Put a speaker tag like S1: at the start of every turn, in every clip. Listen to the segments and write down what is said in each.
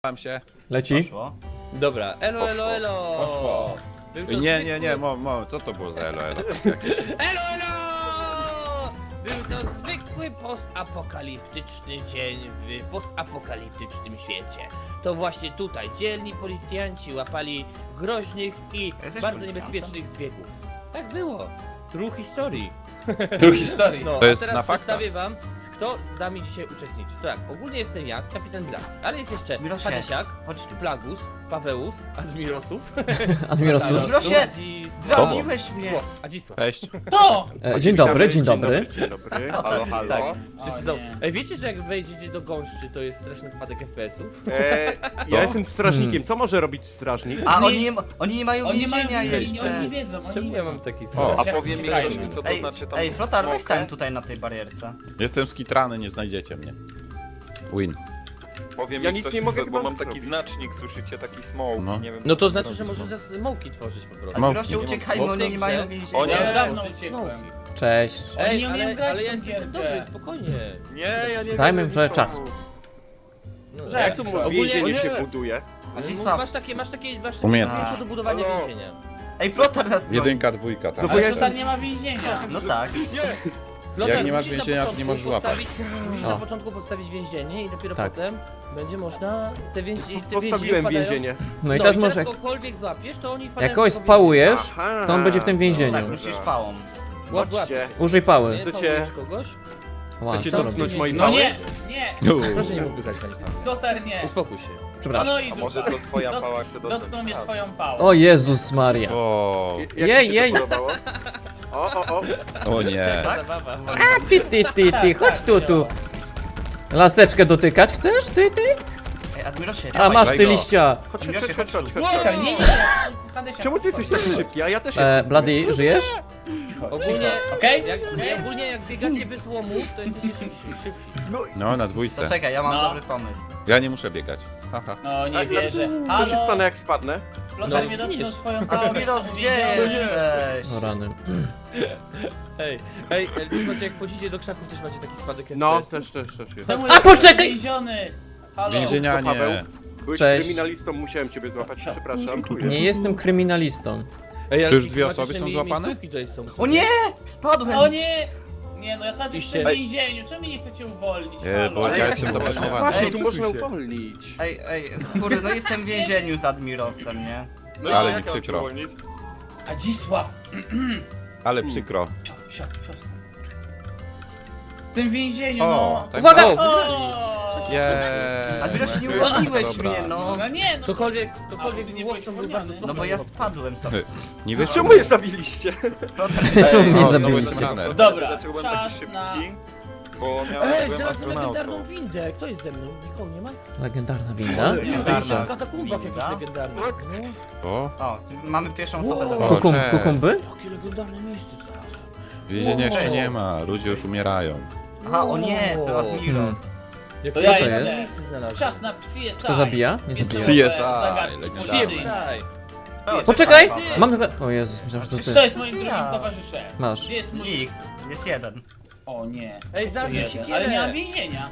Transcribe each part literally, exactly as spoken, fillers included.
S1: Mam się.
S2: Leci?
S3: Poszło.
S4: Dobra, elo, elo, elo!
S3: Poszło.
S4: Był to
S1: Nie, nie, nie,
S4: zwykły-
S1: mo, mo, co to było za elo, elo?
S4: Elo, elo! Był to zwykły postapokaliptyczny dzień w postapokaliptycznym świecie. To właśnie tutaj dzielni policjanci łapali groźnych i
S3: Jesteś
S4: bardzo
S3: policjantem?
S4: niebezpiecznych zbiegów. Tak było. True history.
S3: Tu historii.
S4: No,
S1: To
S4: a
S1: jest
S4: teraz
S1: na faktach.
S4: przedstawię wam, kto z nami dzisiaj uczestniczy. Tak, ogólnie jestem ja, kapitan Blas, ale jest jeszcze
S3: Mirosie,
S4: Hadesiak,
S3: chodź tu.
S4: Plagus, Paweus, Admirosów,
S2: Admirosus.
S3: Mirosie,
S4: Adzisław-
S3: zdradziłeś mnie!
S4: Adzisław.
S1: Cześć.
S5: To!
S2: E, dzień dobry, dzień dobry.
S6: Dzień dobry, halo, halo.
S4: Tak,
S5: O
S4: wszyscy są.
S5: nie.
S4: Ej, wiecie, że jak wejdziecie do gąszczy, to jest straszny spadek F P S-ów?
S6: E, ja jestem strażnikiem, co może robić strażnik?
S3: A
S5: Nie-
S3: oni nie, ma- oni nie mają
S5: Oni mają
S3: więzienia
S5: więzienie,
S3: jeszcze.
S5: oni nie wiedzą, oni
S4: Czemu
S5: nie
S4: ja
S5: wiedzą.
S4: mam taki
S1: O.
S4: spadek?
S7: A powie mi ktoś mi, co to
S3: Ej,
S7: znaczy tam
S3: ej Flotar, weź
S7: smoke?
S3: stań tutaj na tej barierce.
S1: Jestem skitrany, nie znajdziecie mnie. Win.
S7: Powie mi
S6: Ja nic
S7: ktoś,
S6: nie mogę
S7: co, bo
S6: chyba
S7: mam taki
S6: zrobić.
S7: znacznik, słyszycie, taki smoke,
S1: No.
S7: nie wiem.
S4: No to
S7: co
S4: znaczy, że
S7: zrobić.
S4: możesz za smoki tworzyć po prostu.
S1: Mo-
S3: Admirosie,
S1: nie
S3: uciekajmy,
S4: bo w
S3: oni
S4: tej
S3: nie mają
S4: grze-
S3: więzienia.
S7: O nie.
S5: Ja dawno
S4: Tworzyć
S5: uciekłem.
S4: smoki.
S2: Cześć.
S4: Ej,
S5: nie umieją
S4: ale,
S5: grać
S4: ale
S5: w
S4: ja
S5: tą
S4: jestem
S5: gierkę.
S4: dobry, spokojnie.
S7: Nie, ja nie
S2: Dajmy
S7: wiem,
S2: trochę
S7: że
S2: czasu.
S4: No,
S5: Że
S6: Jak tu
S5: Ogólnie-
S6: więzienie
S7: nie.
S6: się buduje?
S3: Adzisław.
S4: Masz takie, masz takie, masz takie
S1: Umiejętność.
S4: zdjęcia do budowania
S6: Halo.
S4: więzienia.
S3: Ej, Flotar nas goni.
S1: Jedynka, dwójka,
S6: No
S1: tak.
S6: bo
S5: Ale
S6: ja
S5: Flotar
S6: jestem-
S5: nie ma więzienia.
S3: No tak.
S4: Lotar,
S1: Jak nie masz
S4: musisz na
S1: więzienia, to nie
S4: początku
S1: możesz łapać.
S4: postawić- Musisz
S2: O.
S4: na początku postawić więzienie i dopiero
S2: Tak.
S4: potem będzie można te więzienie. Te
S6: Postawiłem
S4: więzienie
S6: więzienie.
S2: No i teraz
S4: i
S2: może
S4: teraz kogokolwiek złapiesz, to oni wpadają
S2: jak kogoś
S4: do tego
S2: spałujesz,
S6: Aha.
S2: to on będzie w tym
S3: Tak,
S2: więzieniu.
S3: musisz pałą.
S4: więzienia. Łap, łap
S6: Chodźcie.
S4: się.
S2: Użyj pały.
S4: Nie
S6: Chcecie-
S4: pałujesz kogoś?
S2: Ła,
S6: Chcecie
S2: co
S4: to
S2: robisz?
S6: dotknąć mojej
S5: No
S6: pały?
S5: nie, nie.
S4: Proszę nie popychać pani Paweł.
S5: Flotar nie.
S4: Uspokój się.
S2: Przepraszam.
S5: No i
S7: A może
S5: dupa.
S7: to twoja
S5: Dot-
S7: pała chce dotknąć?
S5: Dotknął mnie
S7: A,
S5: swoją pałą.
S2: O Jezus Maria.
S1: O,
S6: Jak ci
S2: Jej,
S6: się
S2: jej.
S6: to podobało? O, o, o.
S1: o nie.
S4: Zabawa.
S2: A ty, ty, ty, ty, chodź tu, tu. Laseczkę dotykać chcesz? Ty, ty?
S3: Ej, Admirosie,
S2: A
S3: dawaj.
S2: masz
S1: daj
S2: ty
S1: go.
S2: liścia.
S6: Chodź, chodź,
S3: Admirosie,
S6: chodź, chodź,
S3: chodź
S6: chodź.
S5: Czekaj, nie, nie, nie. Hadesia,
S6: Czemu ty jesteś taki szybki? A ja też
S2: E,
S6: jestem.
S2: Blady, żyjesz?
S4: Ogólnie,
S5: Okej?
S4: jak, jak, ogólnie jak biegacie bez łomów, to jesteście szybsi. szybsi.
S1: No, na
S3: To
S1: dwójce.
S3: czekaj, ja mam
S5: No.
S3: dobry pomysł.
S1: Ja nie muszę biegać. Haha.
S5: No nie
S6: A,
S5: wierzę.
S6: Co się
S5: Halo?
S6: stanę jak spadnę?
S5: Flotar
S4: No,
S5: mnie dotknął
S4: zginiesz.
S5: swoją pałą.
S3: Admiros,
S5: jestem
S3: gdzie
S5: więziony.
S3: jesteś?
S2: O rany.
S4: Ej, ej, słuchajcie, jak wchodzicie do krzaków, też macie taki spadek
S6: No,
S4: F P S-u?
S6: też, też, też jest.
S5: Czemu
S2: A,
S5: jestem
S2: poczekaj!
S5: Więziony. Halo?
S1: Więzienia
S6: Szybko, Paweł.
S1: nie.
S6: Byłeś
S2: Cześć.
S6: kryminalistą, musiałem ciebie złapać, przepraszam.
S2: Nie jestem kryminalistą.
S4: Ej,
S1: Czy już
S4: ale
S1: dwie
S4: klimatyczne
S1: osoby są
S4: mi-
S1: złapane?
S4: miejscówki tutaj są.
S3: O nie! Spadłem!
S5: O nie! Nie no, ja cały czas
S4: Iście.
S5: jestem w więzieniu. Czemu mnie nie chcecie uwolnić?
S1: E, bo
S5: Halo?
S1: ja
S6: jak
S1: jestem
S6: się
S1: dopatrzowany.
S6: Właśnie,
S3: Ej,
S6: tu
S3: przesuń
S6: można
S3: się.
S6: uwolnić.
S3: Ej, ej, kurde, no jestem w więzieniu z Admirosem, nie?
S7: No i
S1: Ale
S7: co,
S1: mi
S7: jak ja mam cię
S1: przykro.
S7: uwolnić?
S5: Adzisław!
S1: Ale przykro.
S5: Sio, sio, siostra. W tym więzieniu,
S1: O,
S5: no.
S1: tak.
S2: Uwaga!
S5: O!
S1: Jej.
S3: Admirosie, nie uwolniłeś
S1: Dobra.
S3: mnie, no.
S5: No nie, no.
S4: Ktokolwiek,
S5: A,
S4: ktokolwiek
S5: ty nie
S4: łowcą
S5: byłeś
S4: był bardzo
S5: uwolniony.
S3: No bo ja spadłem sobie.
S1: Nie wiesz,
S6: Czemu je zabiliście?
S2: Co mnie
S1: o, znowu
S2: zabiliście?
S1: jestem runner.
S5: Dobra,
S7: Dlaczego byłem taki
S5: czas
S7: szybki?
S5: na...
S7: Bo miałem,
S4: Ej,
S7: byłem
S4: znalazłem legendarną
S7: astronautą.
S4: windę. Kto jest ze mną? Nikogo nie ma?
S2: Legendarna winda?
S3: Legendarna
S4: W katakumbach
S3: winda.
S4: jakaś legendarna. No.
S1: O,
S3: O, mamy pierwszą osobę do
S4: Wow.
S3: wyboru.
S2: Kukum,
S1: cześć.
S2: kukumby?
S4: Jakie legendarne miejsce znalazłem.
S1: więzienia jeszcze nie ma. Ludzie już umierają.
S3: Aha, o nie, to Admiros.
S4: Jak
S5: To ja
S4: legendarne
S2: jestem.
S4: miejsce znalazłem.
S5: Czas na C S I.
S2: Kto zabija? Nie
S5: Jest
S2: zabija.
S5: nowe
S1: C S I,
S5: zagadki
S1: legendarne.
S5: policyjne.
S4: Siepsaj.
S3: O,
S2: Poczekaj!
S3: Paweł.
S2: Mam... O Jezus, myślałem, że to
S5: Kto
S2: ty.
S5: jest moim drugim
S3: Ja.
S5: towarzyszem?
S2: Masz.
S5: Gdzie jest mój...
S3: Nikt, jest jeden.
S5: O nie.
S4: Ej, znalazłem
S5: Jeden.
S4: siekierę.
S5: Ale nie mam więzienia.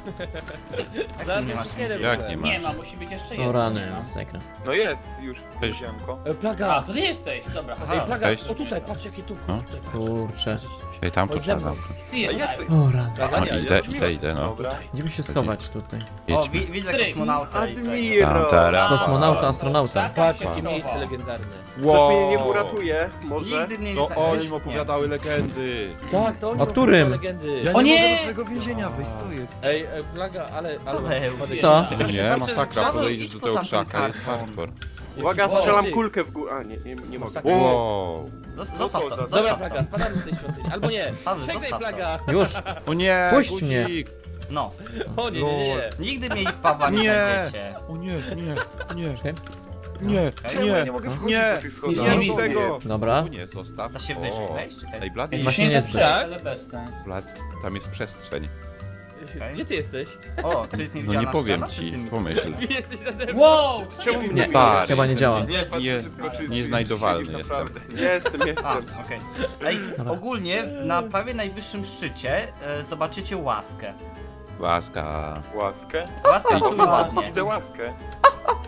S3: Jak nie
S4: Znalazłem
S3: masz
S4: siekierę. w
S1: Jak
S4: ogóle.
S1: nie ma?
S5: Nie ma, musi być jeszcze
S2: O
S5: jeden.
S2: rany,
S5: Nie ma.
S2: masakra.
S7: No jest, już,
S1: Cześć.
S7: ziemko.
S4: E,
S5: A,
S4: Plaga.
S5: to ty jesteś, dobra.
S3: Aha.
S4: Ej, Plaga,
S1: Cześć.
S4: o tutaj, patrz jakie tu.
S1: No.
S4: Tutaj, patrz.
S2: Kurczę.
S1: Ej, tam to
S4: Chodź
S1: trzeba
S4: ze mną.
S1: zamknąć.
S5: Ty
S7: A
S5: jest
S7: jak ty?
S2: O rany.
S4: Plaga,
S1: O,
S4: nie,
S1: idę,
S4: ja
S1: idę, idę, no.
S7: Dobra.
S2: Gdzie by się schować tutaj?
S3: O,
S1: Jedźmy.
S3: wi widzę
S5: Tryk.
S3: kosmonauta i tego.
S6: Admiro!
S1: Tam,
S2: Kosmonauta, astronauta.
S4: Patrz,
S5: się
S4: jakie
S5: schował.
S4: miejsce legendarne.
S6: Ktoś mnie nie uratuje, może?
S3: Nigdy mnie nie
S1: No
S3: znajdziesz.
S1: oni im opowiadały legendy.
S4: Tak, to oni
S2: O którym?
S4: opowiadają legendy.
S5: O nie!
S7: więzienia wyjść, co jest?
S4: Ej, e, Plaga, ale... ale
S3: Paweł,
S4: spadek-
S2: Co?
S1: Nie, masakra,
S3: Paweł,
S1: podejdziesz
S3: idź
S1: do
S3: po
S1: tego
S3: tamtym
S1: krzaka, jest
S3: karton.
S1: hardcore.
S6: Uwaga,
S4: Wow.
S6: strzelam
S4: Ty.
S6: kulkę w górę. A, nie, nie, nie mogę.
S1: Wow.
S3: Zos-
S7: Co
S3: Zostaw
S7: to
S3: to,
S7: za-
S4: Dobra,
S3: zostaw
S4: Plaga,
S3: to.
S4: spadamy z tej świątyni. Albo nie.
S3: Paweł,
S4: Czekaj,
S3: zostaw to.
S4: Plaga.
S2: Już!
S1: O nie,
S2: Puść
S1: guzik.
S2: mnie.
S3: No,
S4: O nie, nie, nie, nie.
S3: nigdy mnie Pawła nie
S1: Nie.
S3: znajdziecie.
S1: O nie, nie, nie,
S2: Czekaj.
S1: nie,
S7: Czemu ja nie mogę wchodzić
S1: nie,
S7: do tych schodów?
S1: nie
S5: Nie
S1: rób
S5: widzę.
S1: tego.
S2: Dobra.
S1: Tu nie, zostaw.
S3: Da się
S1: O.
S3: wyżej wejść? Czekaj.
S1: Ej, Blady,
S5: Ej,
S2: Właśnie
S5: właśnie
S2: nie
S5: nie
S2: zbyt.
S5: przejść, ale bez sensu.
S1: Blady, tam jest przestrzeń.
S4: Gdzie ty jesteś?
S3: O, tu jest
S1: No
S3: niewidzialna
S1: nie powiem
S3: ściana, czy
S1: ci,
S3: ty mi
S1: pomyśl.
S4: Wy jesteś nade mną.
S5: Wow! Co
S6: Czemu
S5: nie
S6: mnie
S2: Nie,
S1: Patrz.
S2: chyba nie działa.
S7: Nie, patrzcie
S1: Nie-
S7: tylko, czy,
S1: nieznajdowalny
S7: czy siedzisz
S1: jestem.
S7: naprawdę.
S6: Jestem,
S3: A,
S6: jestem.
S3: okej. Ej,
S2: Dobra.
S3: ogólnie na prawie najwyższym szczycie e, zobaczycie łaskę.
S1: Łaska.
S7: Łaskę?
S3: Łaska
S5: O,
S3: stój
S5: łaskę.
S3: ładnie.
S7: Widzę łaskę.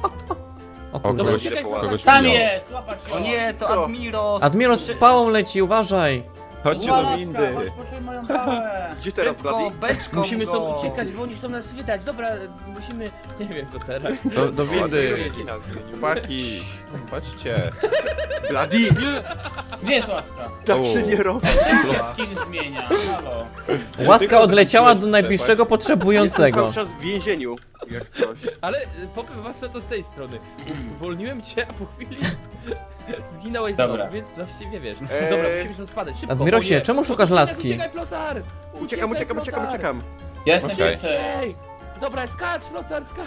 S2: O
S1: O,
S2: kurde.
S1: kogoś,
S4: uciekaj,
S1: kogoś
S8: Tam
S1: widział.
S8: jest, łapać
S3: O nie, to
S6: Co?
S3: Admiros!
S2: Admiros z pałą leci, uważaj.
S1: Chodźcie do
S8: Łaska,
S1: windy.
S8: chodź poczuj moją pałę.
S6: Gdzie teraz,
S3: Szybko,
S6: Bladi?
S3: beczką
S4: Musimy
S3: go.
S4: stąd uciekać, bo oni chcą nas wydać. Dobra, musimy... Nie wiem co teraz.
S1: Do, do windy.
S7: Skina zmienił.
S1: Chłopaki, chodźcie.
S6: Bladi!
S8: Gdzie jest łaska?
S6: Tak
S1: O.
S6: się nie robi.
S8: Czemu się skin zmienia? Halo.
S2: Łaska odleciała do
S1: Trzeba.
S2: najbliższego
S6: Jestem
S2: potrzebującego.
S6: cały czas w więzieniu, jak coś.
S4: Ale y, powiem was na to z tej strony. Uwolniłem cię, a po chwili zginąłeś
S8: Dobra.
S4: znowu, więc właściwie wiesz.
S6: Eee.
S4: Dobra, musimy stąd spadać. Szybko,
S2: Admirosie,
S4: o nie.
S2: czemu szukasz
S4: Uciekaj,
S2: laski?
S4: Uciekaj, flotar!
S6: Uciekam,
S4: Uciekaj,
S6: uciekam, uciekam,
S4: flotar!
S6: uciekam.
S8: Ja jestem
S1: Okej.
S8: piesem.
S4: Ej! Dobra, skacz, flotar, skacz!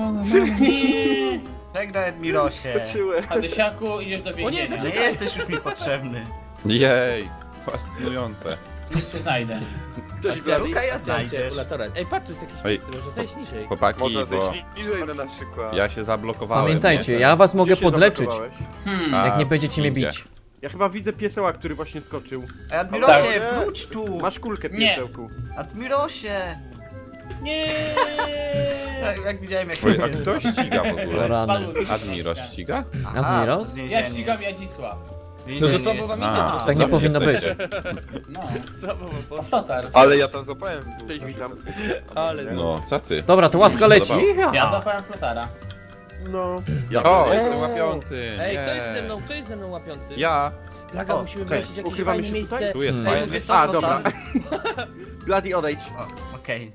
S8: Nie.
S3: Żegnaj, Admirosie.
S6: Skoczyłem.
S8: Hadysiaku, idziesz do więzienia.
S3: Nie jesteś już mi potrzebny.
S1: Jej, fascynujące.
S8: Nic się znajdę.
S6: Cześć,
S4: A
S6: Bladi.
S3: Luka, ja
S4: Znajdzie
S3: znajdziesz.
S4: ulatora. Ej, patrz, tu jest jakieś
S1: Oj.
S4: miejsce, może zejść niżej.
S1: Chłopaki,
S7: Można zejść
S1: bo
S7: niżej no na przykład.
S1: ja się zablokowałem.
S2: Pamiętajcie,
S1: nie?
S2: ja was mogę
S6: Gdzie się
S2: podleczyć,
S6: zablokowałeś?
S8: Hmm.
S1: A,
S2: jak nie będziecie mnie
S1: windzie.
S2: bić.
S6: Ja chyba widzę pieseła, który właśnie skoczył.
S3: Ej, Admirosie,
S6: Tak.
S3: wróć tu!
S6: Masz kulkę,
S8: Nie.
S6: piesełku.
S3: Admirosie!
S8: Nie.
S3: Jak, jak widziałem, jak
S1: Oj, a kto ściga w ogóle?
S2: Rany.
S1: Admiros ściga?
S2: Admiros?
S8: Ja ścigam Jadzisław.
S4: No to słabo wam idzie.
S1: A,
S4: to
S2: Tak nie
S1: dobrze
S2: powinno być.
S1: jesteście.
S8: No.
S4: Słabo wam
S8: O,
S4: poszło.
S8: flotar.
S7: Ale ja tam złapałem w dół.
S6: Cześć, witam.
S4: Ale
S1: No, cacy.
S2: Dobra, to łaska leci.
S1: Podobało.
S8: Ja zapałem flotara.
S6: No.
S1: O, jestem łapiący.
S4: Ej,
S1: nie.
S4: kto jest ze mną? Kto jest ze mną łapiący?
S1: Ja.
S4: Plaga,
S3: O,
S4: musimy
S6: okej.
S4: wymyślić jakieś
S6: Ukrywamy
S4: fajne
S6: się
S4: miejsce.
S6: tutaj?
S1: Tu jest
S2: Hmm.
S1: fajny.
S3: Wiesz co,
S6: A,
S3: flotar?
S6: dobra. Bladi, odejdź.
S3: O, okej.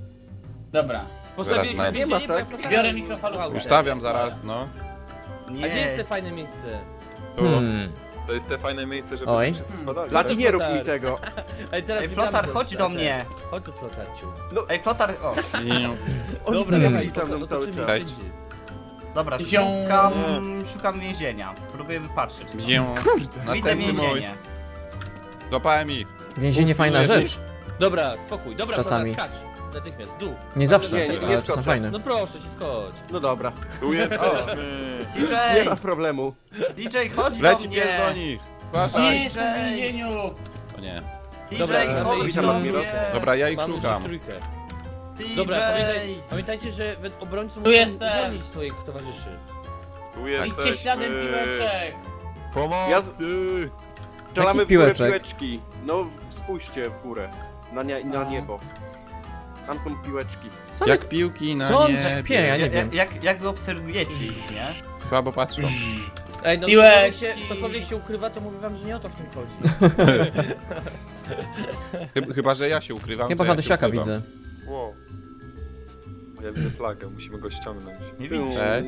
S8: Dobra.
S4: Postawiłeś
S1: Zaraz
S4: więzienie,
S6: znajdę.
S4: bo ja flotara-
S8: Biorę mikrofalówkę.
S1: Ustawiam zaraz, no.
S4: A gdzie jest te
S3: Nie.
S4: fajne miejsce?
S1: Tu.
S2: Hmm.
S7: To jest te fajne miejsce, żeby
S2: Oj.
S7: wszyscy spadali.
S6: Bladi, nie rób mi
S4: Flotar.
S6: tego.
S4: Ej, teraz
S3: Ej,
S4: witamy
S3: flotar,
S4: do
S3: chodź do
S4: strefy.
S3: mnie.
S4: Chodź tu, flotarciu.
S3: Ej, flotar, o.
S6: Oni
S4: Dobra,
S6: biegli
S4: dawaj,
S6: za
S4: to,
S6: mną
S4: to,
S6: cały
S4: to,
S6: czas.
S1: Cześć.
S3: Dobra,
S8: Zią.
S3: szukam, szukam więzienia. Próbuję wypatrzeć.
S1: Gdzie?
S3: Widzę
S1: Następny mój.
S3: więzienie.
S1: Złapałem ich.
S2: Więzienie fajna rzecz.
S4: Dobra, spokój. Dobra,
S2: Czasami.
S4: flotar, skacz. Natychmiast, w dół.
S2: Nie zawsze,
S6: Nie, nie, nie
S2: ale czasem
S6: skoczę.
S2: fajne.
S4: No proszę cię, skocz.
S6: No dobra.
S7: Tu jesteśmy.
S3: D
S6: Nie
S3: J!
S6: ma problemu.
S3: D J, chodź do
S1: Leci
S3: mnie!
S1: pies do nich.
S8: Nie
S1: Uważaj.
S8: jestem w więzieniu.
S1: O nie.
S3: D J,
S4: Dobra, mamy
S3: chodź
S4: iść
S3: do
S6: na
S3: mnie!
S6: Admiros.
S1: Dobra, ja ich
S4: Mamy
S1: szukam.
S4: już trójkę.
S3: D J!
S4: Dobra, pamiętaj, pamiętajcie, że we- obrońcy muszą
S8: jestem.
S4: uwolnić swoich towarzyszy.
S7: Tu
S8: Idźcie
S7: jesteśmy.
S8: śladem piłeczek.
S7: Pomocy!
S6: Ja z- Strzelamy w górę
S2: piłeczek?
S6: piłeczki. No, w- spójrzcie w górę. Na, nie, na niebo. Tam są piłeczki.
S2: Co
S1: Jak piłki na
S2: Co on
S1: niebie.
S2: śpie, ja nie
S3: Jak,
S2: wiem.
S3: jak, jak wy obserwujecie ich, nie?
S1: Słabo patrzą.
S4: Ej, no
S8: Piłeczki.
S4: ktokolwiek się, ktokolwiek się ukrywa, to mówię wam, że nie o to w tym chodzi.
S1: Chyba, chyba że ja się ukrywam.
S2: Chyba
S1: to ja się
S2: Hadysiaka
S1: ukrywam.
S2: widzę.
S7: Wow. Ja widzę plagę, musimy go ściągnąć.
S3: Nie widzisz?
S1: Cześć.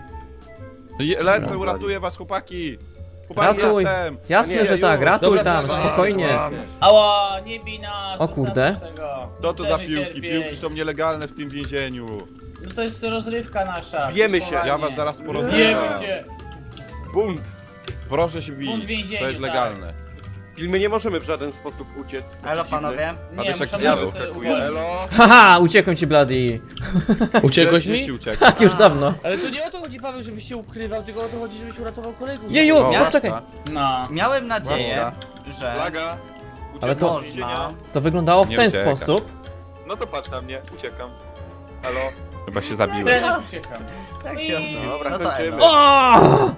S1: Je- Lecę, uratuję was, chłopaki. Chłopaki,
S2: Ratuj.
S1: jestem.
S2: Jasne,
S6: Nie,
S2: że
S6: ja
S2: tak,
S6: już.
S2: ratuj
S4: Dobra,
S2: tam,
S4: dawaj.
S2: spokojnie.
S8: Ała, nie bij nas.
S2: O kurde.
S8: zostawcie tego.
S1: Co to za
S8: Chcemy
S1: piłki?
S8: cierpieć.
S1: Piłki są nielegalne w tym więzieniu.
S8: No to jest rozrywka nasza.
S6: Bijemy się.
S8: kupowanie.
S1: Ja was zaraz
S8: Bijemy
S1: porozmawiam.
S8: się.
S6: Bunt.
S1: Proszę się
S8: Bunt w
S1: bić.
S8: więzieniu,
S1: To jest
S8: tak.
S1: legalne.
S6: Czyli my nie możemy w żaden sposób uciec.
S3: Elo panowie.
S8: Nie,
S1: Hadysiak
S8: muszę
S1: zginął.
S8: sobie
S7: Wyskakuję.
S8: uwolnić.
S7: Elo!
S2: Haha, uciekłem ci, Bloody.
S4: Uciekłeś
S1: Gdzie ci
S4: mi?
S1: uciekł?
S2: Tak, już dawno.
S4: Ale to nie o to chodzi, Paweł, żebyś się ukrywał, tylko o to chodzi, żebyś uratował kolegów.
S2: Jeju,
S1: O,
S2: no
S1: łaska.
S2: czekaj.
S8: No.
S3: Miałem nadzieję, że
S7: Plaga!
S2: Ale
S7: Uciekam
S2: to-
S7: z więzienia.
S3: można...
S2: To wyglądało w
S1: Nie
S2: ten
S1: ucieka.
S2: sposób.
S7: No to patrz na mnie, uciekam. Elo?
S1: Chyba się zabiłem.
S8: Teraz uciekam.
S3: Tak się
S8: I-
S6: Dobra,
S3: No to
S6: kończymy.
S3: elo.
S2: O!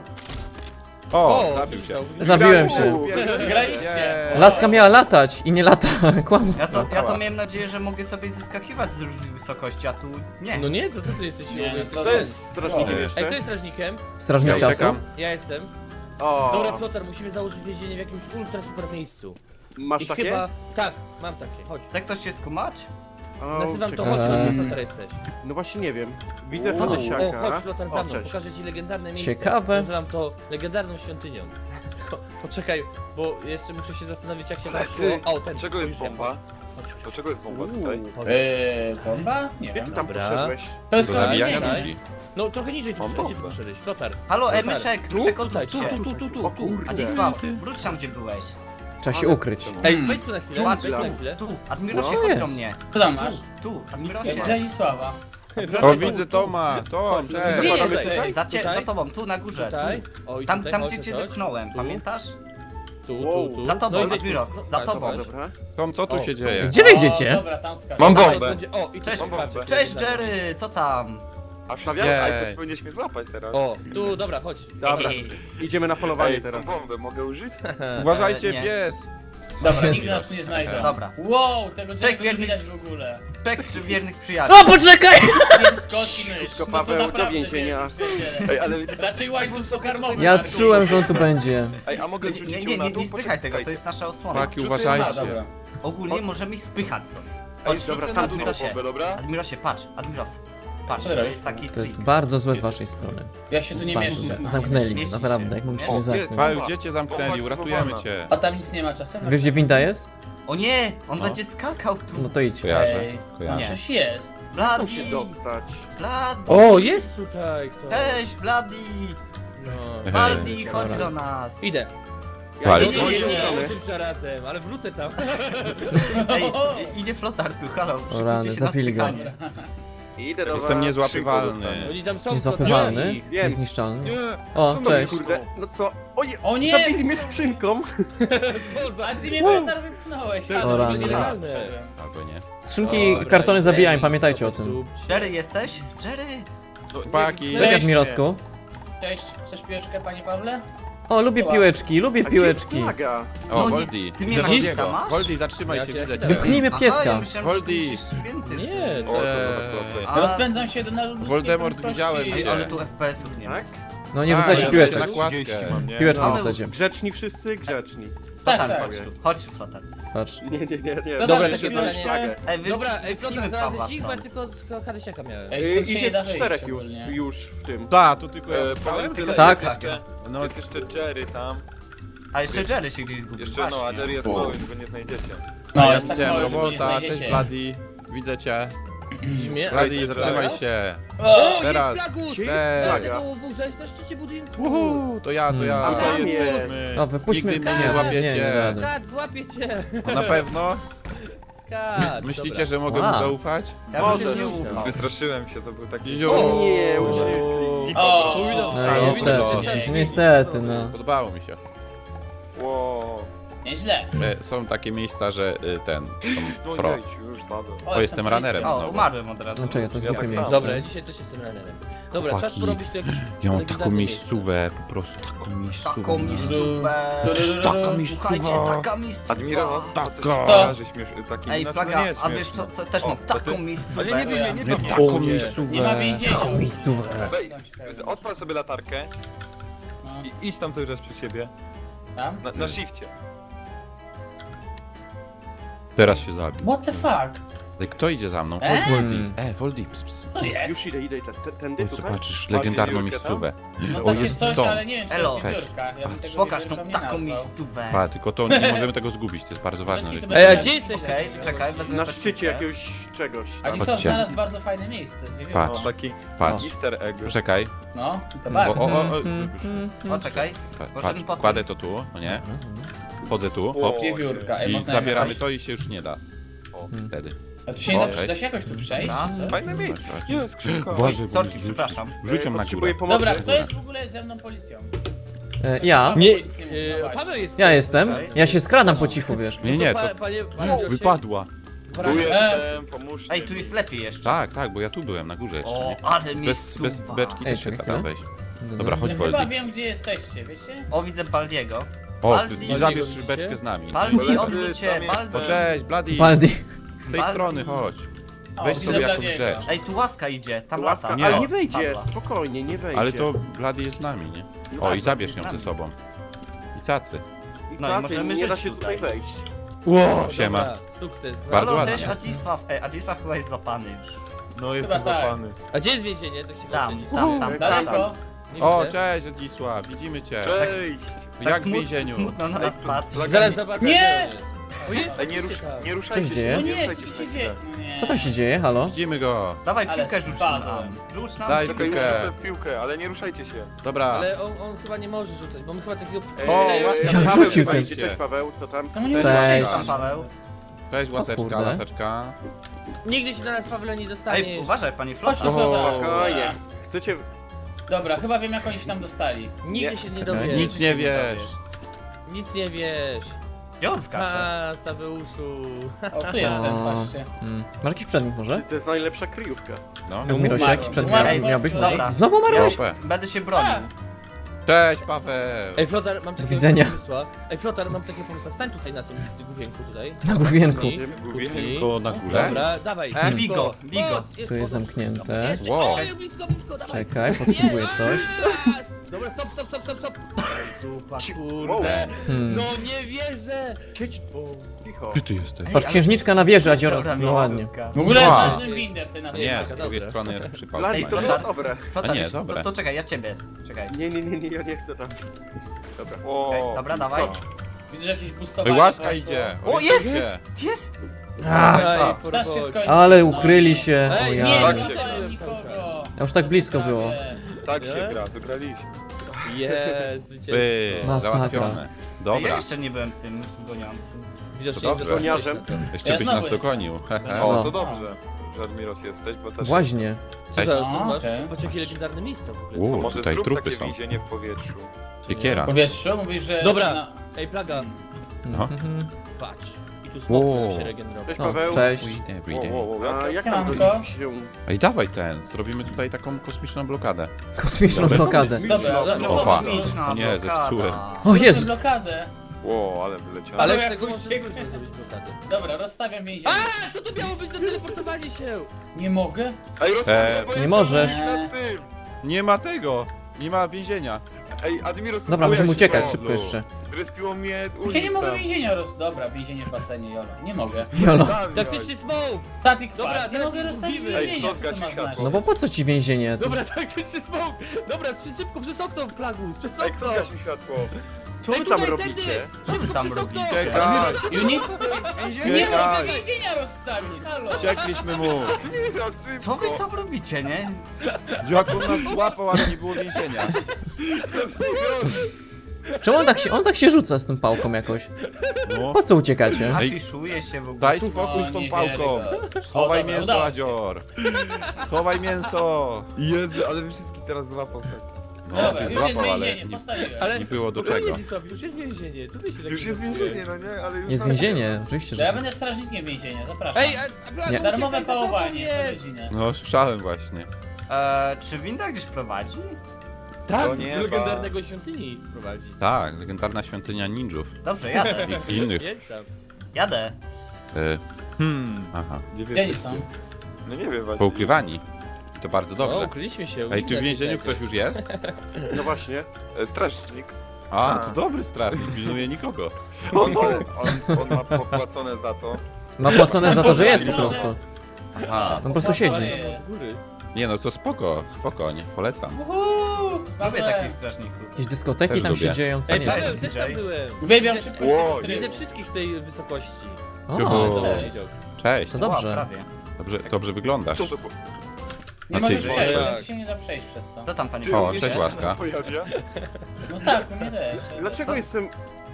S1: O,
S4: O,
S1: zabił się.
S2: Zabiłem się.
S6: Uuu,
S8: Graliście.
S2: Laska miała latać i nie lata.
S3: Ja
S2: Kłamstwo.
S3: to, ja to miałem nadzieję, że mogę sobie zeskakiwać z różnych wysokości, a tu nie.
S4: No nie, to co ty jesteś?
S8: Nie, no
S4: jesteś...
S8: co
S6: To jest strażnikiem
S1: Ej,
S4: Ej,
S6: jeszcze.
S4: kto jest strażnikiem?
S2: Strażnik
S1: Ja
S2: czasu.
S1: uciekam.
S4: Ja jestem.
S6: O,
S4: Dobra, Flotar, musimy założyć więzienie w jakimś ultra super miejscu.
S6: masz
S4: I
S6: takie?
S4: chyba... Tak, mam takie, chodź.
S3: Tak ktoś się skumać?
S6: O,
S4: Nazywam to,
S6: czekaj.
S4: chodź,
S2: Eee.
S4: gdzie Flotar jesteś.
S6: No właśnie nie wiem. Widzę
S4: O,
S6: Hadysiaka.
S4: o, chodź Flotar za
S6: O,
S4: mną,
S6: cześć.
S4: pokażę ci legendarne miejsce.
S2: Ciekawe.
S4: Nazywam to legendarną świątynią. Tylko poczekaj, bo jeszcze muszę się zastanowić jak się tam
S7: Lecy!
S4: szło. O, ten.
S7: Dlaczego jest
S4: już wiem.
S7: bomba?
S4: Chodź, chodź,
S7: Dlaczego jest bomba tutaj?
S4: chodź.
S8: Yy, bomba? Nie
S6: Gdzie
S8: wiem.
S6: ty tam
S4: Dobra.
S6: poszedłeś?
S8: To jest
S1: Do
S8: chyba
S1: zabijania
S8: więzienie.
S1: ludzi?
S4: No trochę niżej tu
S7: Mam
S4: poszedł, gdzie ty
S7: bombę.
S4: poszedłeś? Flotar.
S3: Halo,
S4: Flotar.
S3: Emyszek,
S4: Tu?
S3: przekotruj
S4: Tutaj,
S3: się.
S4: tu, tu, tu, tu,
S6: O
S4: tu.
S6: kurde.
S3: Adisław, wróć tam gdzie byłeś.
S2: Trzeba się ukryć.
S4: Ej, wejdź tu na chwilę,
S3: Patrz
S4: wejdź tu
S3: tam.
S4: na chwilę.
S3: Tu, Admirosie,
S2: Co
S3: chodź
S2: jest?
S3: do mnie.
S8: Co tam masz?
S3: Tu, Admirosie.
S8: Zadzisława.
S1: O, widzę Toma. Tom,
S8: Gdzie
S1: cześć.
S4: Dobra,
S8: jesteś?
S4: tutaj.
S3: Za, cie,
S4: Tutaj?
S3: za tobą, tu na górze.
S4: Tutaj.
S3: Tu.
S4: O, i
S3: Tam,
S4: tutaj,
S3: tam
S4: chodź,
S3: gdzie cię
S4: chodź.
S3: zepchnąłem,
S4: Tu.
S3: pamiętasz?
S4: Tu,
S6: Wow.
S4: tu, tu.
S3: Za tobą,
S4: No i wejdź tu.
S3: Admiros,
S4: No,
S3: za
S4: tak,
S3: tobą.
S4: zobacz.
S6: Dobra.
S1: Tom, co tu
S4: O.
S1: się dzieje?
S2: Gdzie
S8: O,
S2: wejdziecie?
S8: dobra, tam skacz.
S7: Mam
S4: Tutaj
S7: bombę.
S4: będzie- O, i
S3: Cześć,
S4: tu patrz,
S3: Cześć
S4: jak
S3: Jerry, co tam?
S7: A wstawiałeś? Aj, to
S1: Jej.
S7: ty powinieneś mnie złapać teraz.
S4: O, tu, dobra, chodź.
S6: Dobra,
S3: Ej,
S6: idziemy na polowanie
S7: Ej,
S6: teraz.
S7: tą bombę mogę użyć?
S1: Uważajcie,
S3: E, nie.
S1: pies!
S8: Dobra,
S2: Jezus.
S8: nikt nas tu nie znajdzie.
S3: Dobra.
S8: Wow, tego
S3: Cześć,
S8: czegoś nie
S3: wierny-
S8: widać w ogóle.
S3: Czek czy wiernych przyjaciół.
S2: O, poczekaj!
S8: Jest kot i mysz.
S6: Szybko,
S8: No to
S6: Paweł, do
S8: naprawdę
S6: więzienia.
S8: wierni przyjaciele.
S7: Ej, ale wiecie co?
S8: Raczej łańcuch pokarmowy.
S2: Ja
S8: na dół.
S2: czułem, że on tu będzie.
S7: Ej, a mogę
S3: Nie,
S7: zrzucić
S3: nie,
S7: ją
S3: nie,
S7: na
S3: nie,
S7: dół?
S3: nie spychaj tego, to
S7: Poczekajcie.
S3: jest nasza osłona.
S1: Chłopaki,
S7: Rzucę ją
S8: A,
S1: uważajcie.
S8: dobra.
S3: Ogólnie możemy ich spychać stąd.
S7: Ej,
S3: Chodź,
S7: dobra,
S3: dobra,
S7: na dół tą
S3: Admirosie.
S7: bombę, dobra?
S3: Admirosie, patrz, Admiros. Patrz,
S8: Co
S3: to
S8: robisz?
S3: jest taki
S2: To jest
S3: trik.
S2: bardzo złe z waszej strony.
S8: Ja się tu nie
S2: Bardzo
S8: mieszczę.
S2: złe. Zamknęli mnie,
S3: Mieści
S2: naprawdę,
S3: się.
S2: jak mógł się
S7: O,
S2: nie
S7: jest,
S2: zamknąć.
S1: Paweł, gdzie cię zamknęli?
S7: Bomba
S1: Uratujemy
S7: aktywowana.
S1: cię.
S8: A tam nic nie ma czasem?
S2: Wiesz, gdzie winda jest?
S3: O nie, on
S1: No.
S3: będzie skakał tu.
S2: No to idź.
S1: Kojarzę,
S8: Ej,
S1: kojarzę.
S3: Nie.
S8: coś jest.
S6: Chcą
S3: Bladi,
S6: się dostać.
S3: Bladi.
S4: O, jest tutaj kto.
S3: Cześć, Bladi.
S4: No.
S3: Bladi, chodź
S2: Dobra.
S3: do nas.
S4: Idę.
S6: Ja
S1: Ale
S4: Nie,
S6: nie
S4: nie, nie,
S6: wiem,
S4: nie, tym czarasem, ale wrócę tam.
S3: Ej, i- idzie flotar tu, halo.
S2: O
S3: przykujcie
S2: rany,
S3: się na
S2: zapili go.
S3: spychanie.
S6: Idę do
S1: Jestem
S6: was.
S1: niezłapywalny.
S4: Oni tam są.
S2: Niezłapywalny,
S4: flotarni.
S6: Wiem.
S2: niezniszczalny.
S7: Nie!
S2: O,
S7: Co
S2: cześć.
S7: robisz?
S6: Kurde, no co? O nie,
S8: O nie!
S6: zabili mnie skrzynką.
S4: Co za...
S8: A ty mnie flotar wypchnąłeś.
S4: To
S8: a,
S2: O
S8: to
S2: rany.
S8: nielegalne.
S1: Albo nie.
S2: Skrzynki,
S4: Dobra,
S2: kartony
S4: ej,
S2: zabijają,
S4: ej,
S2: pamiętajcie o
S4: stop,
S2: tym.
S4: stop.
S3: Jerry jesteś? Jerry?
S7: No, nie,
S1: Chłopaki.
S7: nie,
S2: Cześć,
S8: Cześć.
S2: Admirosku.
S8: Cześć, chcesz piłeczkę, panie Pawle?
S2: O, lubię piłeczki, lubię
S6: A gdzie jest
S2: piłeczki.
S6: flaga?
S1: O,
S3: No nie,
S1: Voldi.
S3: ty mnie
S1: Widzę
S3: na
S1: Voldiego.
S3: lista masz?
S1: Voldi, zatrzymaj
S4: Ja
S1: się,
S4: cię
S1: widzę
S4: chwilę.
S1: cię.
S2: Wypchnijmy
S3: Aha,
S2: pieska.
S3: ja myślałem, że ty
S1: Voldi.
S3: musisz więcej.
S4: Nie,
S7: O, co to za
S1: Eee,
S7: procent?
S3: A-
S8: Rozpędzam się do narodu.
S1: Voldemort, widziałem
S3: Ej,
S1: cię.
S3: ale tu F P S-ów nie ma.
S6: Tak?
S2: No nie
S1: A,
S2: rzucajcie
S1: ja
S2: piłeczek.
S1: na kładkę.
S7: trzydzieści mam, nie?
S2: Piłeczką
S3: Paweł,
S2: rzucajcie.
S6: Grzeczni wszyscy, grzeczni.
S8: Tak,
S3: Flotar,
S8: tak.
S3: chodź tu, chodź flotar.
S2: Patrz.
S6: Nie, nie, nie, nie.
S8: No
S4: Dobra,
S8: tak,
S4: takie
S8: takie
S4: pytanie.
S6: flagę.
S3: Ej, wy,
S4: Dobra, ej,
S3: wypchnijmy
S4: flotar, znalazłeś
S3: Pawła
S4: ich, bo ja
S3: stąd.
S4: tylko z Hadesiaka miałem.
S8: Ej,
S6: Y,
S8: stąd się
S6: Ich
S8: nie
S6: jest
S8: da wyjść
S6: czterech już,
S8: ogólnie.
S6: już w tym.
S1: Ta, tu tylko ja
S7: E,
S1: zostałem.
S7: powiem tyle,
S2: Tak.
S7: jest jeszcze,
S1: No,
S7: jest jeszcze Jerry tam.
S3: A jeszcze Jerry się gdzieś zgubił.
S7: Jeszcze no, a
S3: właśnie.
S7: Jerry jest mały, go nie znajdziecie.
S8: No,
S1: ja
S8: jest tak
S1: widziałem
S8: mały, że go nie
S1: robota, cześć
S8: znajdziecie.
S1: Bloody. Widzę cię.
S4: Widzisz mnie?
S1: Bloody,
S7: Słuchajcie,
S1: zatrzymaj
S7: teraz?
S1: się.
S8: O!
S4: O,
S1: Teraz.
S4: jest Plagus!
S6: Gdzie
S1: Ej.
S6: jest flaga?
S4: Tego buza jest na szczycie budynku.
S1: Uhu, to ja, to
S2: Hmm.
S1: ja.
S6: A tam
S7: Tutaj
S6: jest.
S7: jesteśmy.
S2: O, wypuśćmy
S1: Nigdy mnie
S2: nie,
S1: nie złapiecie.
S2: Nie, nie rady.
S4: Skacz, złapię cię.
S1: No na pewno?
S4: Skacz.
S1: Myślicie,
S4: dobra.
S1: że mogę mu
S2: Wow.
S1: zaufać?
S3: Ja bym
S6: Może.
S3: się nie ufał.
S7: Wystraszyłem się, to był taki...
S1: Ziu.
S6: O nie, uciekli.
S8: O!
S2: No niestety, niestety, no.
S1: Podobało mi się.
S7: Wow.
S8: Nieźle.
S1: E, Są takie miejsca, że y, ten, są
S7: No
S1: pro.
S7: jejciu, już spadłem.
S1: O, jestem runnerem.
S3: O,
S1: znowu.
S3: umarłem od razu.
S2: No czekaj, to jest
S7: Ja
S2: głupie
S7: tak
S2: miejsce.
S7: samo.
S4: Dobra, ja dzisiaj też jestem runnerem. Dobra,
S1: Chłopaki,
S4: czas porobić tu jakieś
S1: Ja mam
S4: legendarne
S1: taką
S4: miejsce.
S1: miejscówę, po prostu taką miejscówę.
S3: Taką
S1: mam.
S3: miejscówę.
S1: Taka
S3: Słuchajcie,
S1: miejscowa.
S3: taka miejscowa.
S7: Admiral,
S1: Taka.
S7: to coś kojarzy śmiesz... taki...
S3: Ej,
S7: znaczy, no
S3: plaga,
S7: nie jest
S3: a wiesz
S7: śmieszne.
S3: co, co też
S7: O,
S3: mam
S7: to
S3: taką
S7: ty-
S3: miejscówę.
S7: Ale nie bij mnie, nie
S1: Nie
S7: bij mnie.
S1: taką
S8: Nie ma
S1: miejscówę.
S8: więzienia.
S2: Taką miejscówę.
S7: Weź, odpal sobie latarkę
S8: No,
S7: i idź tam cały czas przy siebie.
S8: tam?
S7: Na, na shifcie.
S1: Teraz się zabił.
S8: What the fuck?
S1: Ej, kto idzie za mną?
S8: E?
S1: Chodź, Voldi.
S2: Hmm.
S1: E, Voldi, ps, ps.
S8: To jest.
S6: Już idę, idę, te- tędy
S1: Oj,
S6: tutaj?
S1: zobaczysz legendarną
S7: Masz wiewiórkę
S1: miejscówę.
S8: No
S1: O,
S8: takie
S1: jest
S8: coś,
S1: dom.
S8: ale nie wiem, czy
S3: Elo.
S8: to jest wiewiórka. Ja bym tego
S3: Pokaż tą
S8: wiewiórką nie
S3: taką
S8: nazwał.
S3: miejscówę.
S1: Pa, tylko to nie możemy tego zgubić, to jest bardzo ważne.
S8: Bez kitu,
S1: żebyśmy-
S8: bez
S4: Ej, a
S8: kitu.
S4: gdzie jesteś?
S3: Okej, czekaj, wezmę
S6: Na
S3: pestkę.
S6: szczycie jakiegoś czegoś.
S8: A
S6: tam.
S8: Gisot
S1: Chodźcie.
S8: znalazł bardzo fajne miejsce z wiewiórką.
S1: Patrz.
S7: Taki
S1: Patrz,
S7: easter egg.
S1: czekaj.
S8: No, i to
S1: O,
S8: bardzo.
S1: o, o, o,
S3: O, czekaj.
S1: pa-
S3: Możemy
S1: patrz,
S3: potem.
S1: kładę to tu, no nie? Wchodzę tu,
S7: O,
S1: hops.
S8: Wiewiórka. Ej,
S1: I
S8: można
S1: zabieramy
S8: jakoś-
S1: to i się już nie da. O,
S2: Hmm.
S1: wtedy.
S8: A tu się nie da,
S1: Okej.
S8: da się jakoś tu przejść,
S3: Dobra.
S8: czy co?
S7: Fajne miejsce. Nie, skrzynka.
S1: Uważaj, bo
S3: Sorki,
S1: rzuć-
S3: przepraszam.
S1: Rzuć ją na
S6: Potrzebuję
S1: górę.
S6: pomocy.
S8: Dobra, kto jest w ogóle ze mną policją?
S2: E, Ja?
S4: Nie,
S8: Nic nie mówię,
S4: e,
S8: no właśnie.
S4: Paweł jest.
S2: Ja jestem. Ja się skradam po cichu, wiesz.
S1: Nie, nie,
S4: Pa-
S1: to
S4: Panie, panie Biosie,
S1: wypadła.
S7: Tu
S4: wraca-
S7: jestem, pomóżcie.
S3: Ej, tu jest lepiej jeszcze.
S1: Tak, tak, bo ja tu byłem, na górze jeszcze.
S3: O,
S1: nie?
S3: ale
S1: Bez,
S3: miejscówka.
S1: bez beczki
S2: Ej,
S1: też się
S2: czekaj,
S1: da
S2: chwilę.
S1: wejść. Dobra, chodź
S8: Ja chyba
S1: Voldi.
S8: wiem, gdzie jesteście, wiecie?
S3: O, widzę Baldiego.
S1: O,
S3: Baldi.
S1: i zabierz
S4: Baldi,
S1: beczkę z nami.
S3: Baldi,
S7: Koledzy,
S3: odwróć się,
S7: tam jest-
S1: O,
S3: Baldi.
S1: cześć, Bloody.
S2: Baldi.
S1: Z tej
S3: Baldi.
S1: strony, chodź.
S8: O,
S1: Weź
S8: widzę
S1: sobie jakąś
S8: Bladiego.
S1: rzecz.
S3: Ej, tu łaska idzie, tam
S6: Łaska,
S3: lata.
S1: Nie.
S6: ale
S3: O,
S6: nie wejdzie,
S3: spadła.
S6: spokojnie, nie wejdzie.
S1: Ale to Bloody jest z nami, nie?
S3: No
S1: O,
S3: tak,
S1: i zabierz
S3: z
S1: ją
S3: nami.
S1: ze sobą. I cacy.
S6: I
S3: No i
S6: tacy,
S3: możemy
S6: nie da
S3: żyć
S6: się tutaj
S3: tutaj.
S6: wejść.
S1: Ło, siema.
S4: Dobra, sukces.
S1: Bardzo
S3: Halo,
S1: ładnie.
S3: cześć Adzisław. Ej, Adzisław chyba jest złapany już.
S7: No, jestem
S8: Chyba tak.
S7: złapany.
S4: A gdzie jest więzienie? Tak się
S3: Tam,
S4: właśnie-
S3: tam, tam, tam.
S8: Daleko?
S4: Nie
S1: O,
S4: widzę.
S1: cześć, Adzisław, widzimy cię.
S7: Cześć!
S3: Tak
S1: Jak w
S3: smut-
S1: więzieniu.
S3: Smutno na nas patrzy.
S4: Zaraz zobaczę.
S8: Nie!
S4: gdzie on jest. O, jest,
S7: Ej, nie, rusz,
S4: tam.
S7: nie ruszajcie
S2: Co
S7: się,
S2: dzieje?
S8: No
S7: nie
S8: nie,
S7: ruszajcie
S8: co
S7: się
S8: się
S7: na
S8: dzieje?
S7: chwilę.
S8: No nie.
S2: Co tam się dzieje? Halo?
S1: Widzimy go.
S3: Dawaj
S8: Ale
S3: piłkę rzuć
S8: spadłem.
S3: nam. Rzuć nam.
S1: Daj
S7: Czekaj, już
S1: piłkę.
S7: rzucę w piłkę, ale nie ruszajcie się.
S1: Dobra.
S4: Ale on, on chyba nie może rzucać, bo my chyba takiego...
S7: Ej,
S1: O,
S7: ej,
S1: łaska,
S7: ej,
S2: Ja
S6: Paweł
S2: rzucił
S6: tutaj
S2: ten.
S6: idzie. Cześć Paweł, co tam?
S8: Czemu nie
S2: Cześć.
S3: Tam, Paweł.
S1: Cześć, łaseczka,
S2: kurde.
S1: łaseczka.
S4: Nigdy się na nas, Pawle, nie dostaniesz.
S3: Ej, uważaj, panie
S8: Chodź
S3: Flota.
S8: tu,
S1: O,
S8: Flota.
S6: Spokojnie. Chcecie...
S8: Dobra, chyba wiem, jak oni się tam dostali.
S4: Nigdy
S6: Nie.
S4: się nie
S2: Czekaj.
S4: dowiesz.
S1: Nic nie wiesz.
S4: Nic nie wiesz.
S3: Gdzie on skacze?
S4: A, Sabeuszu.
S8: O, tu jestem, patrzcie.
S2: Mm. Masz jakiś przedmiot może?
S6: To jest najlepsza kryjówka.
S1: No.
S2: Mirosie,
S8: Umarł.
S2: jakiś przedmiot
S8: Umarł.
S2: miałbyś
S8: Dobra.
S2: może? Znowu umarłeś?
S1: Opę.
S3: Będę się bronił.
S1: Cześć, Paweł!
S4: Ej, Flotar, mam takiego
S2: widzenia.
S4: pomysła. Ej, Flotar, mam takiego pomysła. Stań tutaj na tym główienku tutaj.
S2: Na główienku.
S4: Kucnij, kucnij.
S1: To na górze?
S4: Dobra, dawaj.
S3: E, bigo, bigo.
S4: Jest,
S2: Tu jest
S4: podnoś.
S2: zamknięte.
S4: Jeszcze,
S1: Wow.
S4: Oj, blisko, blisko, dawaj.
S2: Czekaj, potrzebuję coś.
S4: Yes! Dobra, stop, stop, stop, stop, stop. Dupa, kurde.
S2: Hmm.
S4: No nie wierzę.
S6: Siedź, cicho.
S1: Gdzie ty jesteś?
S2: Patrz, księżniczka na wieży, Adioros.
S3: Dobra,
S2: No ładnie.
S3: miejscówka.
S8: W ogóle
S1: Wow.
S8: znalazłem windę w tej
S1: Nie,
S8: napisach.
S1: z
S4: Dobra.
S1: drugiej strony jest przypał.
S6: Bladi, to
S3: Ej,
S6: było dobre.
S3: Flotar,
S1: A nie,
S3: już-
S1: dobre.
S3: To, to czekaj, ja ciebie. Czekaj.
S6: Nie, nie, nie, nie, ja nie chcę tam. Dobra.
S3: Okej,
S6: O,
S3: dobra, dawaj.
S8: Widzę, że jakieś
S1: Ej,
S8: boostowanie
S1: łaska
S8: poszło.
S1: idzie!
S3: O,
S1: Orientujcie.
S3: jest! Jest!
S2: A,
S4: Ej,
S3: co?
S4: po
S8: Czas się
S4: robocie.
S8: skończył.
S2: ale
S8: No
S2: ukryli
S8: nie.
S2: się. O
S4: Ej,
S8: Nie,
S2: ja.
S7: Tak
S8: nie
S7: się
S8: szukałem
S4: gra.
S8: nikogo.
S2: A już tak blisko było.
S8: Prawie.
S7: Tak się
S4: Nie?
S7: gra, wygraliśmy.
S4: Jest,
S1: By,
S4: zwycięstwo.
S2: Masakra.
S1: załatwione.
S3: Ja
S1: Dobra,
S3: jeszcze nie byłem tym goniącym.
S4: Widocznie
S1: To
S4: nie
S1: dobrze.
S4: zasłużyłeś
S6: Koniarzem.
S4: na to.
S1: jeszcze
S8: Ja
S1: byś
S8: znowu
S1: nas
S8: jestem.
S1: dogonił. hehe.
S7: O,
S2: No.
S7: to dobrze, że Admiros jesteś, bo też...
S2: Właśnie.
S4: Co
S1: Cześć.
S4: to, co
S8: A,
S4: masz?
S8: okej.
S4: Patrz, jakie legendarne miejsca w ogóle.
S1: U,
S7: Może
S1: tutaj
S7: zrób
S1: trupy
S7: takie
S1: są.
S7: więzienie w powietrzu.
S1: Siekiera.
S8: W powietrzu mówisz, że...
S4: Dobra.
S8: Na...
S4: Ej, plaga,
S1: No.
S2: Mhm.
S4: patrz. I tu smok
S2: Wow.
S4: się regenerował.
S6: Cześć,
S2: No,
S6: Paweł.
S2: cześć.
S1: Every
S7: Wow,
S1: day.
S7: wow, wow,
S6: A
S7: jak
S6: jak
S7: to-
S6: tam
S8: Siemanko.
S6: się...
S1: Ej, dawaj ten, zrobimy tutaj taką kosmiczną blokadę.
S2: Kosmiczną
S1: Dobra.
S2: blokadę.
S8: Dobra, dobra.
S1: Opa.
S3: Kosmiczna
S1: O nie,
S3: blokada.
S1: zepsułem.
S2: O Jezu.
S8: blokadę.
S7: Wow, ale wyleciałem.
S4: Ale
S8: Ale
S4: z
S8: jak
S4: tego
S8: uciekł-
S4: można trudno zrobić blokadę.
S8: Dobra, rozstawiam więzienie.
S4: A, co to miało być za teleportowanie się?
S8: Nie mogę?
S7: Ej, rozstawię,
S1: Eee,
S7: bo
S2: nie
S7: jestem
S2: możesz.
S7: na tym.
S1: Nie ma tego! Nie ma więzienia.
S7: Ej, Admiros,
S2: Dobra,
S7: zostałeś
S2: musimy uciekać
S7: szybko.
S2: szybko jeszcze.
S7: Zrespiło mnie
S8: Ja
S7: unik
S8: nie mogę
S7: tam.
S8: więzienia roz... Dobra, więzienie w basenie, jolo. Nie mogę.
S2: Jolo.
S4: Taktyczny smoke!
S8: Static
S4: Dobra,
S8: Park. Nie
S4: teraz
S8: mogę
S4: ich
S8: rozstawić
S4: zgubimy.
S7: Ej,
S8: więzienia,
S7: kto
S8: co to
S7: zgasił
S8: ma
S7: światło?
S8: znaczyć?
S2: No bo po co ci więzienie? To
S4: Dobra,
S2: jest-
S4: taktyczny smoke! Dobra, szybko, przez okno, plagus, przez
S7: Ej, kto
S4: okno!
S7: zgasił światło?
S6: Co wy
S4: Ej,
S6: tam
S4: tutaj,
S6: robicie?
S4: tędy!
S3: Co wy
S4: Szybko
S3: tam
S4: przez okno!
S3: robicie?
S1: Czekaj!
S8: Unit? Nie mogę
S1: Czekaj!
S8: więzienia rozstawić, halo!
S1: Uciekliśmy mu!
S7: Admiros, szybko!
S3: Co wy tam robicie, nie?
S1: Jak on nas złapał, ale nie było więzienia.
S2: Czemu on tak się, on tak się rzuca z tą pałką jakoś?
S1: No.
S2: Po co uciekacie?
S3: Afiszuje się w ogóle.
S1: Daj spokój z
S8: O,
S1: tą
S8: nie
S1: pałką.
S8: wierzę go.
S1: Schowaj
S8: O, dobra,
S1: mięso,
S8: udało się.
S1: Adzior. Schowaj mięso.
S7: Jezu, ale wy wszystkich teraz złapał tak.
S1: No,
S8: Dobra,
S1: by
S8: już jest
S1: złapał, ale
S8: więzienie,
S1: nie,
S8: postawiłem.
S4: Ale
S1: nie było do
S4: spokojnie,
S1: czego.
S4: Dzisław, już jest więzienie, co ty się tak
S7: Już jest więzienie, no nie? Ale już
S2: Jest
S7: nas nie
S2: więzienie, oczywiście,
S8: To
S2: że
S8: ja
S2: tak.
S8: będę strażnikiem więzienia, zapraszam.
S4: Ej, a, a plaga,
S2: Nie.
S8: Darmowe
S4: uciekaj, za tobą
S8: pałowanie co
S4: jest!
S8: godzinę.
S1: No, słyszałem właśnie.
S3: Eee, czy winda gdzieś prowadzi?
S4: Tak,
S7: To
S4: do
S7: nieba.
S4: legendarnego świątyni prowadzi.
S1: Tak, legendarna świątynia ninjów
S3: Dobrze, jadę.
S1: i innych.
S4: Jedź tam.
S3: Jadę.
S1: E,
S7: Hmm,
S1: aha,
S7: gdzie wy
S8: Gdzie oni
S7: jesteście?
S8: są?
S7: No nie wiem właśnie.
S1: poukrywani. I to bardzo
S4: O,
S1: dobrze.
S4: ukryliśmy się.
S1: Ej, czy w
S4: Nas
S1: więzieniu
S4: jest
S1: ktoś już jest?
S6: No właśnie.
S7: E, Strażnik.
S1: A, to dobry strażnik, pilnuje nikogo.
S7: On, on, on, on ma popłacone za to.
S2: Ma płacone za to, że jest po prostu.
S1: Aha,
S2: On po prostu siedzi.
S4: z góry.
S1: nie no, to spoko, spokojnie, polecam.
S8: Uhu,
S3: Lubię
S8: smaczne.
S3: takich strażników.
S2: Jakieś dyskoteki
S1: Też
S2: tam
S1: lubię.
S2: się dzieją, co
S4: Ej,
S2: nie
S4: Paweł,
S2: wiem.
S4: też tam byłem.
S8: Uwielbiam szybkość
S7: Ło,
S8: tego
S4: Widzę
S8: trybu.
S4: wszystkich z tej wysokości.
S2: O,
S1: Juhu.
S4: Dobry
S8: Cześć.
S4: widok.
S1: Cześć,
S2: to
S3: Ła,
S2: dobrze.
S3: prawie.
S1: dobrze, dobrze wyglądasz.
S7: Co to było?
S8: Nie
S1: A
S8: możesz
S1: ty-
S8: przejść,
S4: Jak?
S8: bo się nie da przejść przez to.
S3: Co tam, panie?
S7: Ty
S1: O,
S7: również
S1: cześć,
S7: się
S1: łaska.
S7: pojawia?
S8: No tak, u mnie też.
S6: Dlaczego
S3: Co?
S6: jestem...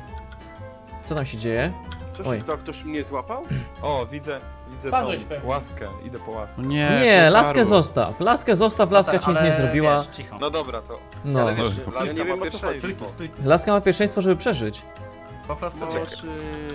S2: Co tam się dzieje?
S6: Co
S2: Oj.
S6: się stało? Ktoś mnie złapał?
S7: O, widzę, widzę
S8: Padłeś
S7: tą
S8: pewnie.
S7: łaskę. Idę po łaskę.
S1: No nie,
S2: Nie,
S1: pucharu.
S2: laskę zostaw. Laskę zostaw, laska ci nic nie
S3: Ale
S2: zrobiła.
S3: Wiesz, cicho.
S7: No dobra, to.
S2: No.
S7: Ale wiesz,
S1: No.
S7: laska
S6: Ja nie wiem,
S7: ma
S6: o co chodzi.
S3: Stój tu,
S7: pierwszeństwo.
S3: stój.
S2: Laska ma pierwszeństwo, żeby przeżyć.
S3: Po prostu
S6: No,
S3: czekaj.
S6: czy...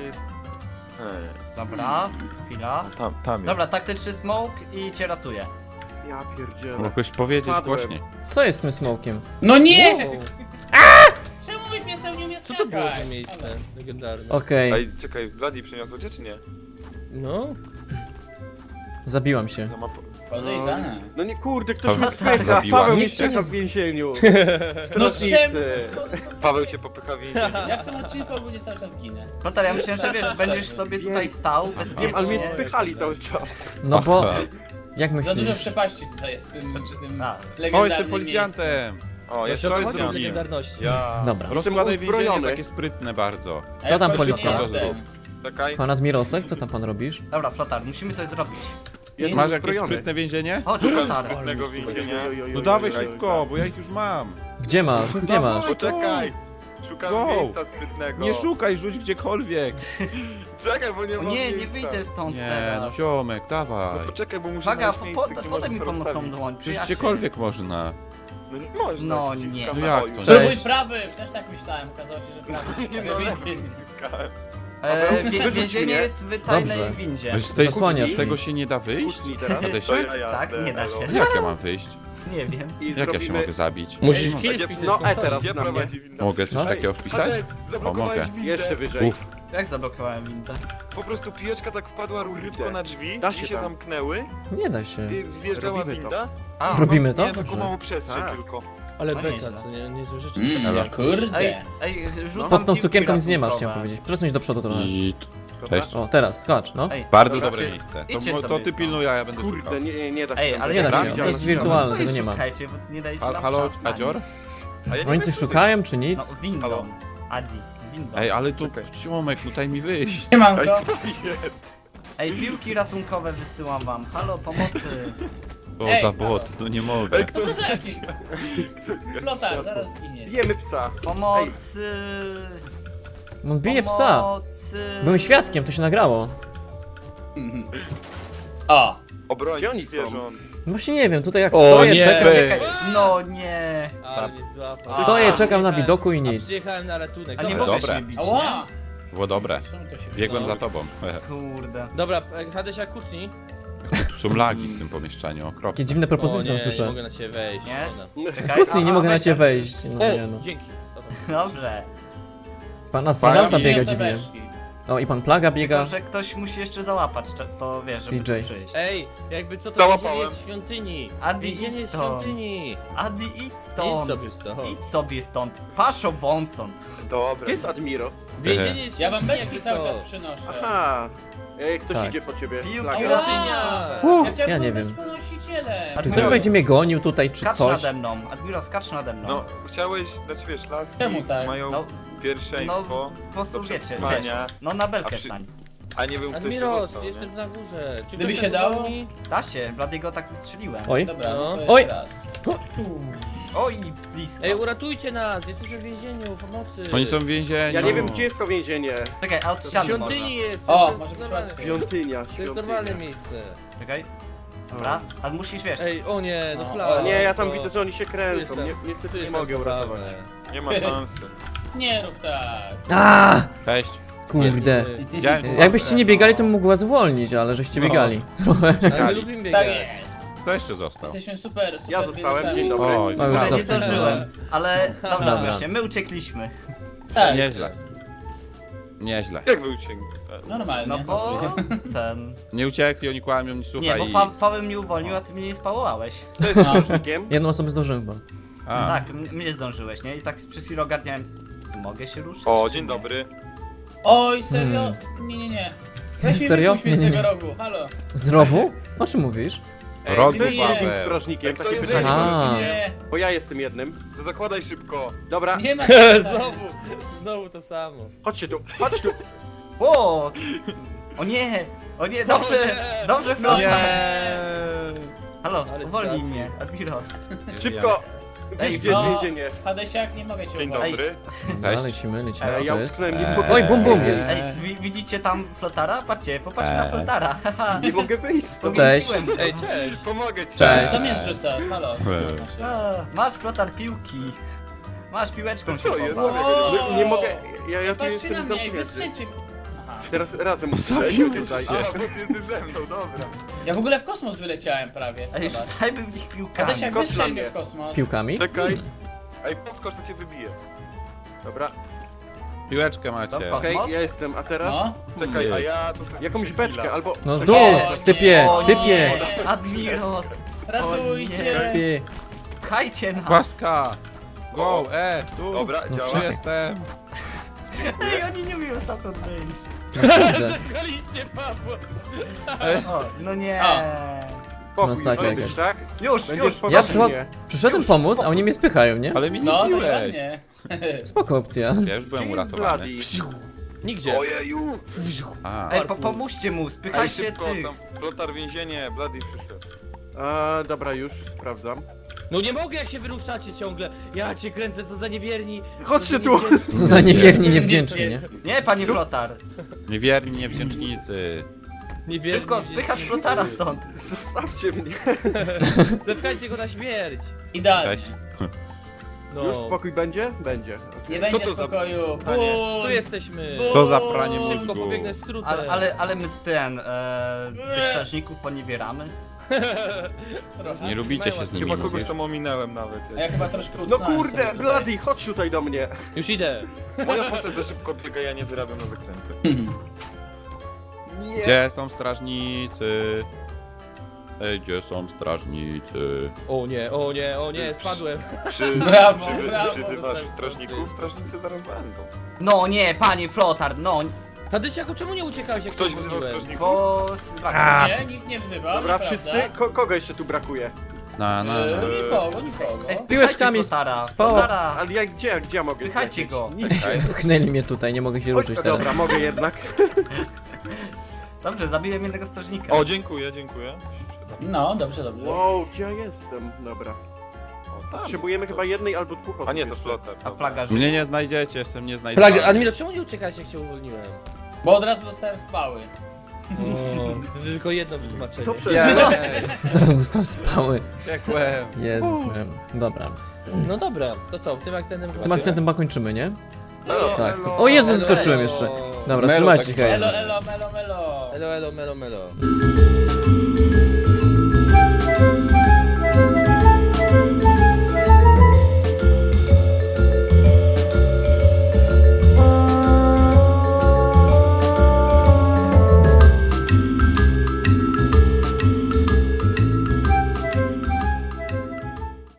S7: Ej,
S3: Dobra, chwila.
S7: Tam, tam jest.
S3: Dobra, taktyczny smoke i cię ratuje.
S6: Ja pierdzielę.
S1: Mogłeś powiedzieć
S6: Spadłem.
S1: głośniej.
S2: Co jest z tym smokiem?
S8: No nie!
S4: Wow.
S8: Czemu mój pieseł nie umie
S4: Co
S8: skakać?
S4: to było za miejsce legendarne?
S2: Okej,
S7: Ej, czekaj, Vladi przyniosło cię czy nie?
S4: No,
S2: zabiłam się.
S7: No ma po...
S8: Podejrzane.
S6: No nie kurde,
S1: To
S6: ktoś mnie spycha.
S1: zabiła.
S6: Paweł mnie
S2: Nikt cię
S6: spycha
S2: nie-
S6: w więzieniu.
S8: No czemu?
S6: Strażnicy.
S7: Paweł cię popycha w więzienie.
S8: Ja w tym odcinku ogólnie cały czas ginę.
S3: Lotar, ja myślałem, że wiesz, będziesz sobie tutaj stał bezpiecznie.
S6: Wiem, ale mnie spychali cały czas.
S2: No bo,
S1: Aha.
S2: jak
S8: Za dużo
S2: myślisz?
S8: przepaści tutaj jest w tym, w tym
S3: A.
S1: O,
S8: legendarnym
S1: jestem policjantem.
S7: O, jest
S4: to
S1: to jest
S4: chodzi o
S1: drugi.
S4: legendarności.
S7: Ja.
S2: Dobra.
S1: Rozkładaj więzienie,
S6: uzbrojony.
S1: takie sprytne bardzo.
S8: miejscu. A
S2: To
S8: ja
S2: tam
S8: w końcu
S2: policja.
S8: nie jestem.
S7: Czekaj.
S2: Pan Admirosek, co tam pan robisz?
S3: Dobra, Flotar, musimy coś zrobić.
S6: Jestem
S1: Masz jakieś
S6: uzbrojony.
S1: sprytne więzienie?
S3: Chodź, Flotar.
S7: Sprytnego więzienia.
S6: Oj, oj, oj,
S1: No
S6: oj,
S1: dawaj
S6: oj, oj.
S1: szybko, bo ja ich już mam.
S2: Gdzie masz? Gdzie masz?
S7: Poczekaj! Szukam
S1: Go.
S7: miejsca sprytnego.
S1: Nie szukaj, rzuć gdziekolwiek.
S7: Czekaj, bo nie
S3: O
S7: mam
S3: nie,
S7: miejsca.
S3: nie wyjdę stąd
S1: Nie, no
S3: teraz.
S1: ziomek,
S7: No
S1: dawaj.
S7: poczekaj, bo muszę
S3: Uwaga,
S7: znaleźć
S3: po,
S7: miejsce,
S3: po,
S7: gdzie
S3: podaj
S7: można
S3: mi
S7: to
S3: pomocną
S7: rozstawić.
S3: dłoń,
S1: Przecież
S3: przyjaciel.
S1: gdziekolwiek można.
S7: No nie można.
S3: No
S7: naciskam
S3: nie.
S7: na
S1: No jak
S7: O, już.
S1: to?
S8: To
S2: Cześć.
S8: mój prawy! Też tak myślałem, okazało się, że prawy.
S7: Nie no, lepiej naciskałem.
S3: E, wie,
S6: Wyrzuć
S3: więzienie
S6: mnie.
S3: jest w tajnej
S2: Dobrze.
S3: windzie.
S1: Z, tej,
S2: Zasłaniasz
S1: z tego
S2: mi.
S1: się nie da wyjść?
S6: Kucnij teraz.
S1: Tadesia?
S7: To ja jadę,
S3: Tak, nie da
S7: elo.
S3: się.
S1: Jak ja mam wyjść?
S3: Nie wiem.
S6: I
S1: Jak ja się
S6: zrobimy...
S1: mogę zabić?
S4: Musisz
S1: Mogę.
S4: kill
S7: Gdzie-
S4: wpisać
S6: no,
S4: na
S6: e,
S4: stole.
S6: teraz.
S7: Gdzie
S6: na mnie.
S7: prowadzi winda?
S1: Mogę coś
S2: No.
S1: takiego wpisać?
S7: Hades, zablokowałeś
S1: mogę.
S7: windę.
S6: Jeszcze wyżej.
S1: Uff.
S3: Jak zablokowałem windę?
S7: Po prostu pijeczka tak wpadła równiutko na drzwi,
S6: Da
S7: drzwi
S6: się
S7: się
S6: tam.
S7: zamknęły,
S2: Nie da się.
S7: i zjeżdżała
S6: Robimy to.
S7: winda.
S3: A,
S2: Robimy to?
S7: Nie, taką
S2: Dobrze.
S7: małą przestrzeń
S6: Tak.
S7: tylko.
S4: Ale
S3: No
S4: beka,
S3: nieźle.
S4: co nie, nie złe rzeczy.
S8: Mm,
S1: Elo.
S8: kurde.
S3: Ej, ej, rzucam
S2: Pod tą
S3: piłki
S2: sukienką nic nie masz,
S3: ratunkowe.
S2: chciałem powiedzieć. Przesuń do przodu trochę.
S1: I...
S6: Dobra.
S1: Cześć.
S2: O, teraz, skacz, no.
S3: Ej,
S1: Bardzo
S6: Dobra,
S1: dobre
S6: czy-
S1: miejsce.
S3: idźcie
S1: To,
S3: sobie
S1: to ty
S3: stąd.
S1: pilnuj, a ja będę szukał.
S6: Kurde, nie, nie da się.
S3: Ej,
S6: tam
S3: ale
S2: Nie
S3: jak
S2: da
S3: tam
S2: się, to
S3: idziemy?
S2: jest wirtualne,
S3: No
S2: tego
S3: i
S2: nie ma.
S3: Szukajcie, bo nie dajcie
S1: Hal-
S3: nam
S1: Halo,
S3: szans na nic.
S1: Kadzior?
S7: A ja nie
S2: Oni
S7: wiem,
S2: coś
S7: co ty-
S2: szukają, czy nic?
S3: No, windą.
S7: Halo.
S3: Adi, windą.
S1: Ej, ale tu,
S7: Czekaj.
S1: Ciomek, no daj mi wyjść.
S7: Ej,
S8: Siemanko.
S7: co jest?
S3: Ej, piłki ratunkowe wysyłam wam. Halo, pomocy.
S1: O,
S8: Ej,
S1: za
S8: halo.
S1: bot, no nie mogę.
S7: Ej, kto
S8: To za jakiś... Flotar, zaraz zginie.
S6: Bijemy psa.
S3: Pomocy.
S2: On bije psa.
S3: Pomocy.
S2: Byłem świadkiem, to się nagrało.
S8: O,
S6: Gdzie
S7: obrońcy
S6: oni są?
S7: zwierząt?
S2: No właśnie nie wiem, tutaj jak
S1: O,
S2: stoję,
S1: nie.
S2: czekam.
S3: Czekaj. No nie.
S4: Ale mnie złapał.
S2: Stoję,
S3: A,
S2: czekam na
S4: przyjechałem-
S2: widoku i
S4: a
S2: nic.
S4: Przyjechałem na ratunek.
S3: A nie
S4: Dobra.
S3: mogę
S1: Dobre.
S3: się bić, nie?
S8: ała.
S1: Było dobre.
S8: Czemu to się
S1: Biegłem
S8: wydało?
S1: za tobą.
S3: Kurde.
S4: Dobra, e, Hadesia, kucnij.
S1: Tu są lagi w tym pomieszczeniu, okropnie.
S2: Jakie dziwne
S4: O
S2: propozycje
S4: nie,
S2: tam
S4: nie
S2: słyszę.
S4: mogę na ciebie wejść.
S3: Nie?
S4: Ona.
S3: Czekaj,
S2: Kucnij,
S3: a-
S2: nie
S3: a
S2: mogę na
S3: weź
S2: ciebie
S3: tam
S2: wejść. No nie
S4: O,
S2: no.
S4: dzięki. Dobra.
S3: Dobrze.
S2: Pan astronauta
S1: Fajnie.
S2: biega
S8: Przyniosę
S2: dziwnie.
S8: weszki.
S2: O, i pan Plaga biega.
S3: Tylko, że ktoś musi jeszcze załapać, cze- to wiesz, żeby
S2: C J.
S3: tu przyjść.
S4: Ej, jakby co to
S7: Załapałem.
S4: więzienie jest w świątyni.
S3: Adi,
S4: Więzienie
S3: idź
S4: jest w
S3: stąd.
S4: świątyni.
S3: Adi, idź
S4: Idź
S3: stąd.
S4: sobie stąd.
S3: Idź sobie stąd. Paszo won stąd.
S7: Dobra.
S6: Gdzie jest Admiros?
S4: Więzienie jest w
S8: Ja wam
S4: świątyni,
S8: beczki
S4: jakby
S8: cały
S4: co?
S8: czas przynoszę.
S6: Aha. Ej, ktoś
S2: Tak.
S6: idzie po ciebie.
S3: Piłki
S6: Plaga.
S4: Świątynia.
S2: Uh,
S8: Ja chciałem
S2: ja nie
S8: być
S2: wiem.
S8: ponosicielem.
S2: Czy ktoś będzie mnie gonił tutaj, czy
S3: Skacz
S2: coś?
S3: nade mną. Admiro, skacz nade mną.
S7: No, chciałeś, znaczy wiesz, laski
S8: Czemu tak?
S7: mają
S3: No,
S7: pierwszeństwo,
S3: po prostu
S7: do
S3: wiecie, wiesz.
S7: przetrwania,
S3: No na
S7: A
S3: belkę
S7: przy-
S3: stań.
S7: a nie wiem, kto jeszcze
S4: Admiros,
S7: został, nie?
S4: jestem na górze. Czy
S8: Gdyby
S4: ktoś
S8: się
S4: nas
S8: dało?
S4: uwolni?
S3: Da się, Bladiego tak wystrzeliłem.
S2: Oj,
S8: Dobra, no.
S4: No.
S8: to
S2: Oj.
S8: jest raz.
S3: Oj, blisko.
S4: Ej, uratujcie nas, jesteśmy w więzieniu, pomocy.
S1: Oni są w więzieniu.
S6: Ja nie wiem, gdzie jest to więzienie.
S3: Czekaj, a od
S4: W
S3: ściany może.
S4: świątyni jest.
S8: O,
S4: to jest
S8: może być
S4: normalne.
S8: łatwiej.
S6: Świątynia,
S4: To jest normalne miejsce.
S3: Czekaj. Dobra, a musisz wiesz.
S4: Ej, o nie, no
S8: No,
S4: plaga.
S6: Nie, ja tam
S4: co?
S6: widzę, że oni się kręcą.
S4: Jestem-
S6: Nie, niestety nie
S4: jestem
S6: mogę uratować.
S4: zabawny.
S7: Nie ma szansy.
S8: Nie rób tak.
S2: A,
S1: Cześć.
S2: kurde.
S1: Widziałem tu
S2: Jakbyście nie biegali, to bym mógł was zwolnić, ale żeście
S1: No.
S2: biegali.
S4: Ale my lubimy biegać.
S8: Tak jest.
S1: Kto jeszcze został?
S8: Jesteśmy super, super
S6: Ja zostałem,
S8: biegaczami.
S6: dzień dobry.
S1: Oj,
S2: No już
S3: Ale nie
S2: cofnę.
S3: zdążyłem. Ale dobrze,
S2: Dobra.
S3: Admirosie, my uciekliśmy.
S8: Tak,
S1: Nieźle. Nieźle.
S7: Jak wy uciekli?
S8: normalnie.
S3: No bo ten...
S1: Nie uciekli, oni kłamią, nie
S3: Nie,
S1: słuchaj
S3: bo
S1: i...
S3: pa Paweł mnie uwolnił, a ty mnie nie spałowałeś.
S6: To jest strażnikiem.
S2: Jedną osobę zdążyłem chyba.
S1: A,
S3: Tak, m- mnie zdążyłeś, nie? I tak przez chwilę ogarniałem. Mogę się ruszyć?
S7: O,
S3: czy
S7: dzień
S3: nie?
S7: dobry.
S8: Oj, serio?
S2: Hmm.
S8: Nie, nie, nie. Weź mi
S2: Serio?
S8: wypuść mnie z
S2: Nie, nie,
S8: tego
S2: nie.
S8: rogu, halo.
S2: Z rowu? O czym mówisz?
S6: Ej,
S1: Rogu
S6: kto jest
S8: Paweł.
S6: drugim strażnikiem?
S7: Kto
S6: Takie
S7: jest
S6: pytanie.
S2: A.
S8: Nie,
S6: Bo ja jestem jednym.
S7: To zakładaj szybko.
S6: Dobra,
S8: nie ma.
S4: Znowu, znowu to samo.
S6: chodźcie tu, chodź tu.
S3: O! O nie! O nie, dobrze!
S4: nie!
S3: Dobrze,
S8: No
S3: Flota!
S1: Nie.
S3: Halo,
S4: Ale
S3: uwolnij
S4: zaraz.
S3: mnie, Admiros.
S6: Szybko.
S3: Ej,
S6: Gdzie jest
S8: no.
S6: więzienie?
S8: Hadesiak, nie mogę cię
S7: Dzień
S8: uwolnić.
S7: dobry.
S2: Dobra,
S1: Cześć.
S2: lecimy, lecimy,
S6: Ej,
S2: co
S6: ja
S2: to jest?
S6: utknąłem
S1: Eee.
S6: nie
S2: Oj, bum bum jest.
S3: Ej, wi widzicie tam Flotara? Patrzcie, popatrzmy na
S1: Eee.
S3: Flotara. haha.
S6: Nie mogę wyjść
S3: To
S6: stąd.
S2: Cześć.
S3: wymyśliłem.
S4: Ej, cześć.
S7: Pomogę ci.
S2: Cześć.
S8: Co mnie zrzuca? Halo.
S1: Eee.
S3: A, masz Flotar piłki. Masz piłeczką
S7: No co
S3: się
S7: jest?
S3: pobaw.
S8: O!
S6: Nie, nie mogę, ja, ja tu
S8: Patrzcie na
S6: jestem
S8: mnie, ej,
S6: zamknięty.
S8: wystrzelcie. Aha.
S6: Teraz razem
S1: Zabił
S6: musimy tutaj.
S7: A, bo ty jesteś ze mną, dobra.
S8: Ja w ogóle w kosmos wyleciałem prawie.
S3: Ej,
S8: Zobacz.
S3: rzucajmy w nich piłkami.
S8: Hadesiak,
S6: Skocz
S8: wystrzel
S6: na
S8: mnie
S6: mnie.
S8: w kosmos.
S2: Piłkami?
S7: Czekaj. Ej, podskocz, to cię wybije.
S6: Dobra,
S1: Piłeczkę macie.
S3: Dobra.
S6: okej,
S3: Kosmos?
S6: ja jestem, a teraz
S8: No.
S7: Czekaj, a ja to sobie
S6: jakąś
S7: muszę
S6: beczkę
S7: chwila.
S6: albo...
S2: No
S6: tak-
S2: dół,
S8: O,
S2: typie,
S3: O
S2: typie.
S3: nie, Admiros!
S8: Ratujcie.
S2: Typie.
S3: Pchajcie nas!
S1: Płaska. Go, e, tu.
S7: Dobra,
S2: No
S7: działa.
S1: Czy jestem?
S3: Ej, oni nie umieją stamtąd wyjść.
S2: No kurde.
S4: Zepchaliście Pawła.
S3: O, no nie.
S6: Pokój
S2: Masakra
S6: zrobisz,
S2: jakaś.
S6: tak?
S3: Już,
S6: Będziesz
S3: już.
S6: po
S2: Ja
S6: mnie.
S2: przychod- Przyszedłem pomóc, a oni mnie spychają, nie?
S1: Ale mi nie
S8: No,
S1: biłeś.
S8: dokładnie.
S2: Spoko opcja.
S1: Ja już byłem
S6: Gdzie jest
S1: uratowany.
S6: Bloody?
S4: Nigdzie.
S7: Ojeju!
S1: A,
S3: Ej, po pomóżcie mu,
S7: Ej,
S3: spychajcie
S7: szybko,
S3: tych.
S7: tam Flotar więzienie, Bloody przyszedł.
S6: A, dobra, już sprawdzam.
S4: No nie mogę, jak się wyruszacie ciągle. Ja cię kręcę, co za niewierni.
S6: Chodźcie
S4: Co za
S6: tu.
S4: niewdzięczni.
S2: Co za niewierni, niewdzięczni, nie?
S3: Nie, panie Flotar.
S1: niewierni, niewdzięcznicy.
S4: Niewierni,
S3: Tylko
S4: niewdzięczni.
S3: spychasz Flotara stąd.
S6: Zostawcie mnie.
S4: Zepchajcie go na śmierć.
S8: Idealnie.
S1: Cześć.
S4: No.
S6: Już spokój będzie? Będzie.
S8: Nie będzie
S7: to za-
S8: spokoju.
S7: Panie,
S8: Bum.
S4: Tu jesteśmy.
S8: Bum.
S1: To za pranie
S4: Szybko
S1: mózgu.
S4: pobiegnę skrótem.
S3: Ale, ale, ale my ten, e, tych strażników poniewieramy.
S1: Nie lubicie się z nimi
S7: Chyba kogoś
S1: mówić.
S7: tam ominęłem nawet.
S8: A ja chyba troszkę
S6: No
S8: utknąłem
S6: kurde,
S8: sobie tutaj.
S6: Bloody, chodź tutaj do mnie.
S4: Już idę.
S7: Moja postać za szybko biega, ja nie wyrabiam na zakręty.
S6: Nie.
S1: Gdzie są strażnicy? Ej, gdzie są strażnicy?
S4: O nie, o nie, o nie, spadłem.
S7: Przy,
S8: Brawo,
S7: przy,
S8: brawo.
S7: przyzywasz strażników, strażnicy zaraz będą.
S3: No nie, panie Flotar, no,
S4: Tadysiaku, czemu nie uciekałeś jak
S7: Ktoś
S4: cię
S7: wzywał
S4: goniłem?
S7: strażników?
S3: bo...
S2: A,
S8: Nie, nikt nie wzywał,
S6: Dobra,
S8: nieprawda.
S6: wszyscy? Ko kogo jeszcze tu brakuje?
S1: Na, na,
S8: E,
S1: na.
S8: Nikogo, nikogo.
S3: Ej,
S2: Piłeczkami
S3: Flotara,
S2: spało.
S3: Flotara.
S6: Ale ja gdzie, gdzie ja mogę?
S3: Pychajcie
S6: zlecieć?
S3: go.
S6: Nigdzie.
S2: Pchnęli mnie tutaj, nie mogę się
S6: Oj,
S2: ruszyć
S6: to
S2: teraz.
S6: dobra, mogę jednak.
S3: Dobrze, zabiłem jednego strażnika.
S7: O, dziękuję, dziękuję.
S8: No, dobrze, dobrze.
S6: Wow, gdzie ja jestem? Dobra.
S7: O, tam.
S6: Potrzebujemy chyba jednej albo dwóch osób
S7: A nie, to
S6: jeszcze.
S7: flotar.
S3: A
S7: dobra.
S3: plaga żyje.
S1: Mnie nie znajdziecie, jestem nieznajdywany.
S4: Plaga, Admiro, czemu nie uciekałeś jak cię uwolniłem?
S8: Bo od razu dostałem spały.
S4: O, to tylko jedno wytłumaczenie.
S6: To przez...
S2: Teraz dostałem spały.
S1: Piekłem.
S2: Jezus, miałem. Dobra.
S4: No dobra, to co, tym akcentem
S2: Tym akcentem chyba kończymy, nie?
S6: Elo,
S2: Tak.
S6: elo.
S2: O Jezu,
S4: Elo,
S2: zaskoczyłem
S4: elo.
S2: jeszcze. Dobra,
S1: Melo
S2: trzymajcie
S1: tak
S2: się.
S8: Elo, elo, melo, melo.
S4: Elo, elo, melo, melo.